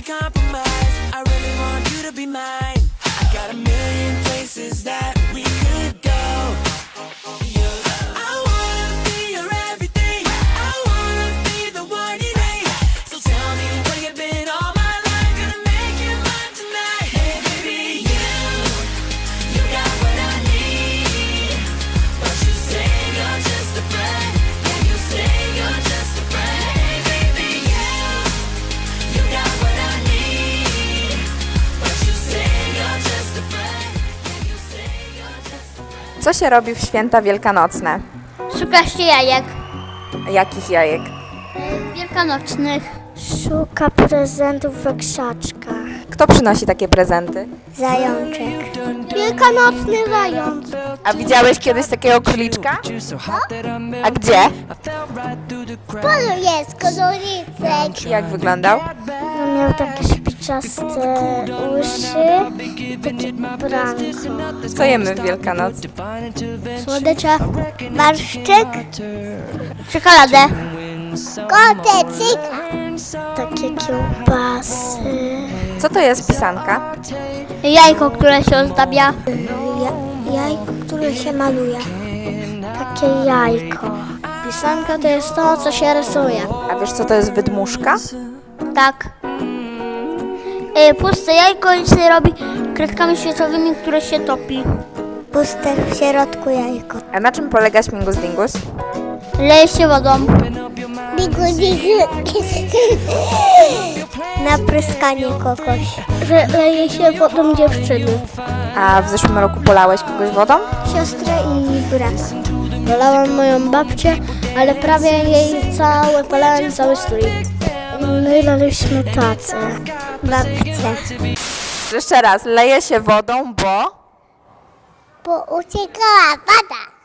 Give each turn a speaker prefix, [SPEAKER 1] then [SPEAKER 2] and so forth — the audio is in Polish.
[SPEAKER 1] compromise. I really want you to be mine. I got a million places that we could go. I wanna be your everything. I wanna be the one you need. So tell me where you've been all my life. Gonna make you mine tonight. Hey baby, you got what I need. But you say you're just a friend. Yeah, you say you're just a friend. Hey baby, you got what I need. But you say you're just a friend. Yeah, you say you're just a friend.
[SPEAKER 2] Co się robi w święta wielkanocne?
[SPEAKER 3] Szuka się jajek
[SPEAKER 2] Jakich jajek?
[SPEAKER 3] wielkanocnych.
[SPEAKER 4] Szuka prezentów we krzaczkach.
[SPEAKER 2] Kto przynosi takie prezenty?
[SPEAKER 4] Zajączek. Wielkanocny zając.
[SPEAKER 2] A widziałeś kiedyś takiego króliczka? A gdzie?
[SPEAKER 4] Polu jest kodolicek.
[SPEAKER 2] Jak wyglądał?
[SPEAKER 4] No, miał takie szpiczaste uszy, takie branko.
[SPEAKER 2] Co jemy w Wielkanoc?
[SPEAKER 3] Słodycze.
[SPEAKER 4] Barszczyk,
[SPEAKER 3] Czekoladę.
[SPEAKER 4] kotecik, takie kiełbasy,
[SPEAKER 2] Co to jest pisanka?
[SPEAKER 3] Jajko, które się ozdabia.
[SPEAKER 4] jajko, które się maluje. Takie jajko.
[SPEAKER 3] Pisanka to jest to, co się rysuje.
[SPEAKER 2] A wiesz, co to jest wydmuszka?
[SPEAKER 3] Tak. Puste jajko i się robi kredkami świecowymi, które się topi.
[SPEAKER 4] Puste w środku jajko.
[SPEAKER 2] A na czym polega śmigus dingus?
[SPEAKER 3] Leje się wodą.
[SPEAKER 4] Bigu, bigu. Na pryskanie kogoś. Że leje się wodą dziewczyny.
[SPEAKER 2] A w zeszłym roku polałeś kogoś wodą?
[SPEAKER 4] Siostrę i brata.
[SPEAKER 3] Polałam moją babcię, ale prawie jej polałem cały strój.
[SPEAKER 4] My laliśmy tacę. Babcie.
[SPEAKER 2] Jeszcze raz, leje się wodą, bo...
[SPEAKER 4] Bo uciekała woda.